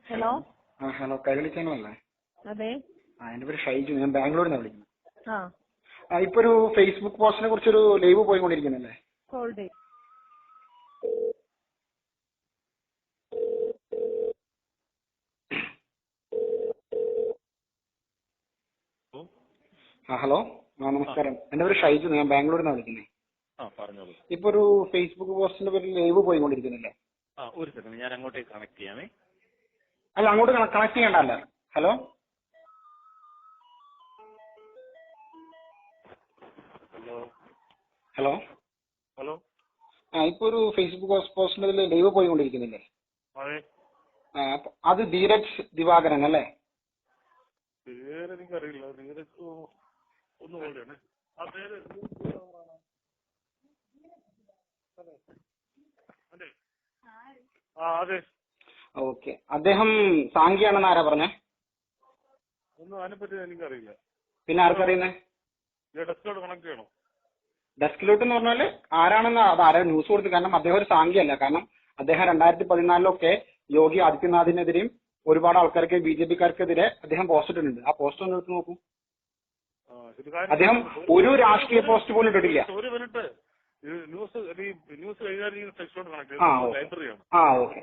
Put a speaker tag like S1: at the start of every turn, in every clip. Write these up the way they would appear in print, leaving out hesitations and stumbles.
S1: Hello.
S2: Hello, Kairali ചാനലല്ലേ?
S1: അതെ.
S2: എൻ്റെ പേര് ഷൈജു, ഞാൻ ബാംഗ്ലൂരിൽ നിന്നാണ് വിളിക്കുന്നത്. ഇപ്പൊ ഒരു ഫേസ്ബുക്ക് പോസ്റ്റിനെ കുറിച്ചൊരു ലൈവ് പോയിക്കൊണ്ടിരിക്കുന്നല്ലേ?
S1: ഹോൾഡ്.
S2: ഹലോ, നമസ്കാരം. എൻ്റെ പേര് ഷൈജു, ഞാൻ ബാംഗ്ലൂരിൽ നിന്നാണ് വിളിക്കുന്നത്. ഇപ്പൊ ഒരു ഫേസ്ബുക്ക് പോസ്റ്റിന്റെ പേരിൽ ലൈവ് പോയിക്കൊണ്ടിരിക്കുന്നില്ലേ?
S3: ഒരു സെക്കൻഡ്, ഞാൻ അങ്ങോട്ടേക്ക് കണക്ട് ചെയ്യാമേ.
S2: അല്ല, അങ്ങോട്ട് കണക്ട് ചെയ്യണ്ടല്ല. Hello
S3: hello
S2: hello
S3: hello.
S2: ഇപ്പൊ ഒരു ഫേസ്ബുക്ക് പോസ്റ്റിന്റെ പേരിൽ ലൈവ് പോയിക്കൊണ്ടിരിക്കുന്നില്ലേ?
S3: അതെ.
S2: അത് ധീരജ് ദിവാകരൻ അല്ലേ?
S3: പേര് എനിക്കറിയില്ല. നിങ്ങൾക്ക് ഒന്ന് പോലെയാണ് ആ പേര്. അതെ. അതെ.
S2: ഓക്കെ. അദ്ദേഹം സാങ്കിയാണെന്ന് ആരാ പറഞ്ഞേ?
S3: ഒന്നും അതിനെപ്പറ്റി എനിക്കറിയില്ല.
S2: പിന്നെ ആർക്കറിയുന്നേ?
S3: ഡെസ്കിലോട്ട് കണക്ട് ചെയ്യണോ?
S2: ഡെസ്കിലോട്ട് എന്ന് പറഞ്ഞാല് ആരാണെന്ന് അത് ആരാ ന്യൂസ് കൊടുത്തു. കാരണം അദ്ദേഹം ഒരു സാങ്കിയല്ല. കാരണം അദ്ദേഹം 2014 യോഗി ആദിത്യനാഥിനെതിരെയും ഒരുപാട് ആൾക്കാർക്ക് BJP-ക്കാർക്കെതിരെ അദ്ദേഹം പോസ്റ്റ് ഇട്ടിട്ടുണ്ട്. ആ പോസ്റ്റ് ഒന്ന് എടുത്ത് നോക്കൂ. അദ്ദേഹം ഒരു രാഷ്ട്രീയ പോസ്റ്റ് പോലും ഇട്ടിട്ടില്ല.
S3: ഒരു മിനിറ്റ്, ന്യൂസ് കൈകാര്യം സെക്ഷനോട് കണക്ട് ലൈബ്രറിയാണ്.
S2: ഓക്കെ.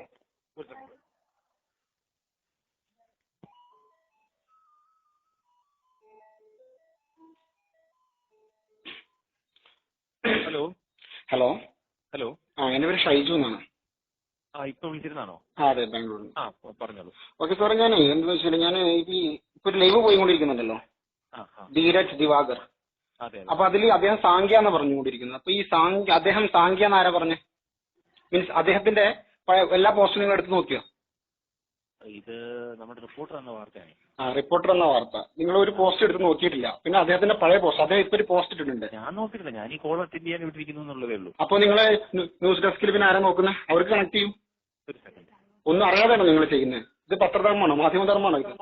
S3: Hello
S2: hello
S3: hello.
S2: എന്റെ പേര് ഷൈജു എന്നാണ്.
S3: ഇപ്പൊ വിളിച്ചിരുന്നാണോ?
S2: അതെ, ബാംഗ്ലൂരിൽ.
S3: പറഞ്ഞോളൂ.
S2: ഓക്കെ സാറേ, ഞാൻ എന്താ വെച്ചാൽ ഞാൻ ഇപ്പൊ ഒരു ലൈവ് പോയിക്കൊണ്ടിരിക്കുന്നുണ്ടല്ലോ, ധീരജ് ദിവാകർ. അപ്പൊ അതിൽ അദ്ദേഹം സാങ്ക്യ എന്ന് പറഞ്ഞുകൊണ്ടിരിക്കുന്നത്. അപ്പൊ ഈ അദ്ദേഹം സാങ്ക്യ എന്ന് ആരാ പറഞ്ഞേ? മീൻസ് അദ്ദേഹത്തിന്റെ എല്ലാ പോസ്റ്റും നിങ്ങൾ എടുത്ത് നോക്കിയോ?
S3: ഇത് നമ്മുടെ റിപ്പോർട്ടർ എന്ന വാർത്തയാണ്.
S2: റിപ്പോർട്ടർ എന്ന വാർത്ത നിങ്ങൾ ഒരു പോസ്റ്റ് എടുത്ത് നോക്കിയിട്ടില്ല. പിന്നെ അദ്ദേഹത്തിന്റെ പഴയ പോസ്റ്റ്, അദ്ദേഹം ഇപ്പൊ ഒരു പോസ്റ്റ് ഇട്ടിട്ടുണ്ട്.
S3: ഞാൻ നോക്കിയിട്ടില്ല, ഞാൻ ഈ കോൾ അറ്റൻഡ് ചെയ്യാൻ വിട്ടിരിക്കുന്നു എന്നുള്ളതേ ഉള്ളൂ.
S2: അപ്പൊ നിങ്ങളെ ന്യൂസ് ഡെസ്കിൽ പിന്നെ ആരാ നോക്കുന്നത്? അവർക്ക് കണക്ട് ചെയ്യും.
S3: ഒരു സെക്കൻഡ്.
S2: ഒന്നും അറിയാതെയാണോ നിങ്ങൾ ചെയ്യുന്നത്? ഇത് പത്രധർമ്മമാണോ, മാധ്യമധർമ്മമാണോ ഇത്?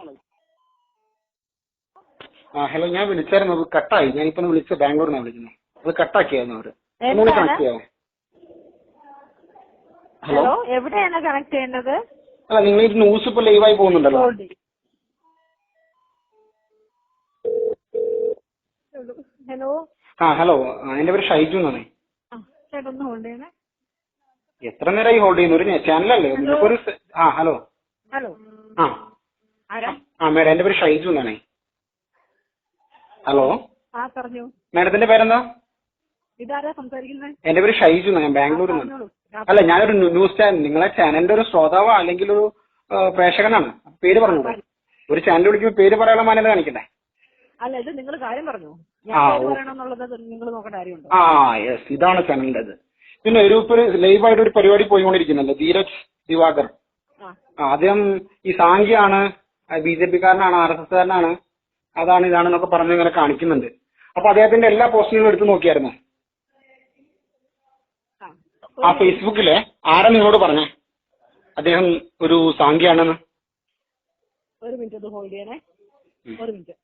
S2: ഹലോ, ഞാൻ വിളിച്ചായിരുന്നു, അത് കട്ടായി. ഞാനിപ്പോ വിളിച്ച ബാംഗ്ലൂരിൽ നിന്നാണ് വിളിക്കുന്നത്. അത് കട്ടാക്കിയായിരുന്നു അവര്. ഒന്നുകൂടി കണക്ട് ചെയ്യാമോ?
S1: ഹലോ, എവിടെയാണ് കണക്ട് ചെയ്യേണ്ടത്?
S2: അല്ല, നിങ്ങൾ ഈ ന്യൂസ് ഇപ്പൊ ലൈവായി പോകുന്നുണ്ടല്ലോ.
S1: ഹലോ.
S2: ഹലോ, എന്റെ പേര് ഷൈജു എന്നാണ്.
S1: ചേട്ടൊന്ന് ഹോൾഡ് ചെയ്യണേ.
S2: എത്ര നേരമായി ഹോൾഡ് ചെയ്യുന്നു? ഒരു ചാനലല്ലേ നിങ്ങൾക്കൊരു. Hello
S1: hello.
S2: മേഡം, എന്റെ പേര് ഷൈജു എന്നാണേ. ഹലോ.
S1: പറഞ്ഞു.
S2: മേഡത്തിന്റെ പേരെന്താ?
S1: ഇതാരാ സംസാരിക്കുന്നത്?
S2: എന്റെ പേര് ഷൈജു എന്നാണ്, ഞാൻ ബാംഗ്ലൂരിൽ നിന്ന്. അല്ല, ഞാനൊരു ന്യൂസ് ചാനൽ, നിങ്ങളെ ചാനലിന്റെ ഒരു ശ്രോതാവോ അല്ലെങ്കിൽ ഒരു പ്രേക്ഷകനാണ്. പേര് പറഞ്ഞു. ഒരു ചാനൽ വിളിക്കുമ്പോൾ പേര് പറയാനുള്ള മാന്യത കാണിക്കണ്ടേ?
S1: അല്ല, ഇത് നിങ്ങൾ കാര്യം പറഞ്ഞു. നിങ്ങൾ നോക്കേണ്ട കാര്യമുണ്ടോ?
S2: യെസ്, ഇതാണ് ചാനലിന്റേത്. പിന്നെ ഒരു ലൈവായിട്ട് ഒരു പരിപാടി പോയിക്കൊണ്ടിരിക്കുന്നുണ്ട്, ധീരജ് ദിവാകർ. അദ്ദേഹം ഈ സാങ്കിയാണ്, BJP-കാരനാണ്, RSS-കാരനാണ്, അതാണ് ഇതാണെന്നൊക്കെ പറഞ്ഞ് ഇങ്ങനെ കാണിക്കുന്നുണ്ട്. അപ്പൊ അദ്ദേഹത്തിന്റെ എല്ലാ പോസ്റ്റുകളും എടുത്ത് നോക്കിയായിരുന്നു. ഫേസ്ബുക്കിലെ ആരാ നിങ്ങളോട് പറഞ്ഞേ അദ്ദേഹം ഒരു സാങ്കിയാണെന്ന്?
S1: ഒരു മിനിറ്റ് ഹോൾഡ് ചെയ്യണേ. ഒരു മിനിറ്റ്.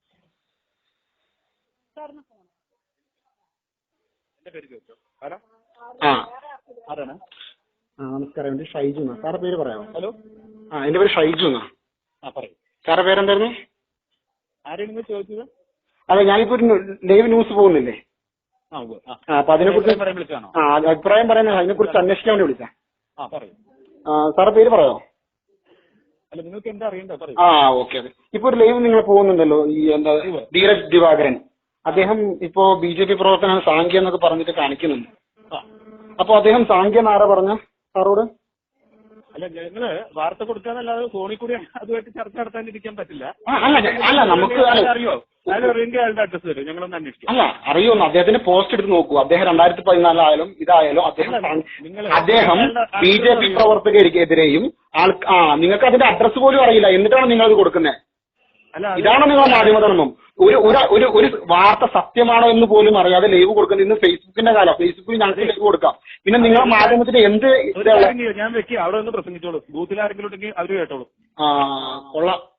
S2: നമസ്കാരം, എന്റെ ഷൈജു എന്നാ. സാറെ പേര് പറയാമോ?
S3: ഹലോ.
S2: എന്റെ പേര് ഷൈജു എന്നാ.
S3: പറയൂ.
S2: സാറെ പേരെന്തായിരുന്നു?
S3: ആരെയും നിങ്ങൾ ചോദിച്ചത്?
S2: അതെ, ഞാനിപ്പോ ഒരു ലൈവ് ന്യൂസ് പോകുന്നില്ലേ, അപ്പൊ അതിനെക്കുറിച്ച് അഭിപ്രായം പറയാൻ, അതിനെക്കുറിച്ച് അന്വേഷിക്കാൻ വേണ്ടി വിളിച്ചാ. സാറെ പേര് പറയാമോ?
S3: അല്ല, നിങ്ങൾക്ക് എന്താ അറിയണ്ടോ?
S2: ഓക്കെ. ഇപ്പൊ ഒരു ലൈവ് നിങ്ങൾ പോകുന്നുണ്ടല്ലോ, ഈ എന്താ ധീരജ് ദിവാകരൻ. അദ്ദേഹം ഇപ്പോ BJP പ്രവർത്തനം സാങ്ക്യ എന്നൊക്കെ പറഞ്ഞിട്ട് കാണിക്കുന്നുണ്ട്. അപ്പൊ അദ്ദേഹം സാങ്ക്യ എന്നാരാ പറഞ്ഞ സാറോട്?
S3: അല്ല, ഞങ്ങള് വാർത്ത കൊടുക്കാന്നല്ലാതെ ഫോണിൽ കൂടി അതുമായിട്ട് ചർച്ച നടത്താനിരിക്കാൻ പറ്റില്ല.
S2: അല്ല, നമുക്ക്
S3: അറിയോ? അയാളുടെ അഡ്രസ് തരും, ഞങ്ങളൊന്ന് അന്വേഷിക്കാം.
S2: അല്ല, അറിയുമെന്ന്. അദ്ദേഹത്തിന്റെ പോസ്റ്റ് എടുത്ത് നോക്കൂ. അദ്ദേഹം 2014 ആയാലും ഇതായാലും അദ്ദേഹം BJP പ്രവർത്തകർക്കെതിരെയും നിങ്ങൾക്ക് അതിന്റെ അഡ്രസ് പോലും അറിയില്ല, എന്നിട്ടാണ് നിങ്ങൾ അത് കൊടുക്കുന്നത്. ഇതാണ് നിങ്ങളുടെ മാധ്യമധർമ്മം. ഒരു വാർത്ത സത്യമാണോ എന്ന് പോലും അറിയാതെ ലൈവ് കൊടുക്കുന്നത്. ഇന്ന് ഫേസ്ബുക്കിന്റെ കാലം. ഫേസ്ബുക്കിൽ ഞങ്ങൾക്ക് ലൈവ് കൊടുക്കാം. പിന്നെ നിങ്ങളുടെ മാധ്യമത്തിന്റെ എന്ത്
S3: ഞാൻ വെക്കി അവിടെ ഒന്ന് പ്രസംഗിച്ചോളൂ. ബൂത്തിൽ ആരെങ്കിലും ഉണ്ടെങ്കിൽ അവര് കേട്ടോളൂ.
S2: കൊള്ളാം.